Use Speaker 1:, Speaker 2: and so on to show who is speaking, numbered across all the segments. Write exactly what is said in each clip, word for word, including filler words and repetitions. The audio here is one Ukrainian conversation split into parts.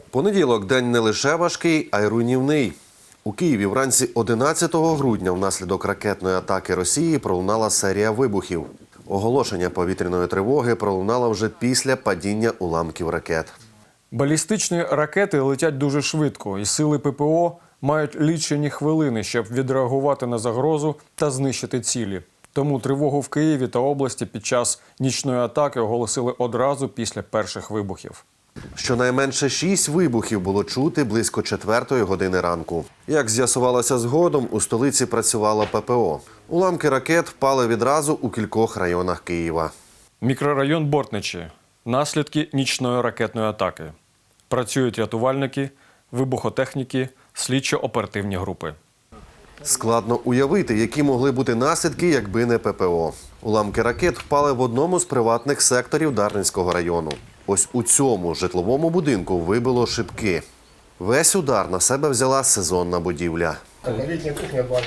Speaker 1: Понеділок – день не лише важкий, а й руйнівний. У Києві вранці одинадцятого грудня внаслідок ракетної атаки Росії пролунала серія вибухів. Оголошення повітряної тривоги пролунало вже після падіння уламків ракет.
Speaker 2: Балістичні ракети летять дуже швидко, і сили ППО мають лічені хвилини, щоб відреагувати на загрозу та знищити цілі. Тому тривогу в Києві та області під час нічної атаки оголосили одразу після перших вибухів.
Speaker 1: Щонайменше шість вибухів було чути близько четвертої години ранку. Як з'ясувалося згодом, у столиці працювало ППО. Уламки ракет впали відразу у кількох районах Києва.
Speaker 2: Мікрорайон Бортничі. Наслідки нічної ракетної атаки. Працюють рятувальники, вибухотехніки, слідчо-оперативні групи.
Speaker 1: Складно уявити, які могли бути наслідки, якби не ППО. Уламки ракет впали в одному з приватних секторів Дарницького району. Ось у цьому житловому будинку вибило шибки. Весь удар на себе взяла сезонна будівля.
Speaker 3: Літня кухня, бар.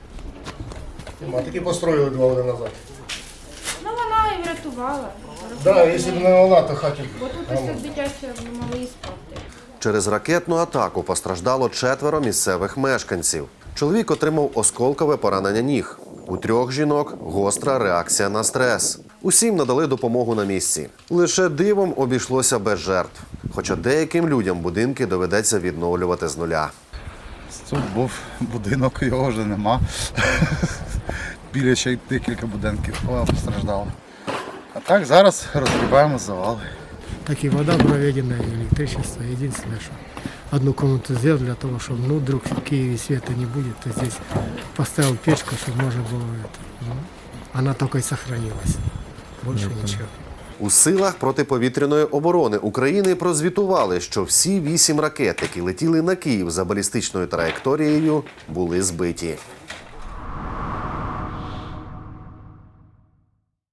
Speaker 3: А таки построїли два роки назад.
Speaker 4: Ну, вона і врятувала.
Speaker 3: Так, да, якщо б не вона, то хаті.
Speaker 4: Бо тут ось дитячі могли і спати.
Speaker 1: Через ракетну атаку постраждало четверо місцевих мешканців. Чоловік отримав осколкове поранення ніг. У трьох жінок гостра реакція на стрес. Усім надали допомогу на місці. Лише дивом обійшлося без жертв. Хоча деяким людям будинки доведеться відновлювати з нуля.
Speaker 5: Тут був будинок, його вже нема. Біля ще й декілька будинків постраждало. А так зараз розгрібаємо завали.
Speaker 6: Так и вода проведена, и электричество. Единственное, что одну комнату сделал для того, чтобы, ну, вдруг в Киеве света не будет, то здесь поставил печку, чтобы можно было это. Ну, она только и сохранилась. Больше ничего.
Speaker 1: У силах протиповітряної оборони України прозвітували, що всі вісім ракет, які летіли на Київ за балістичною траєкторією, були збиті.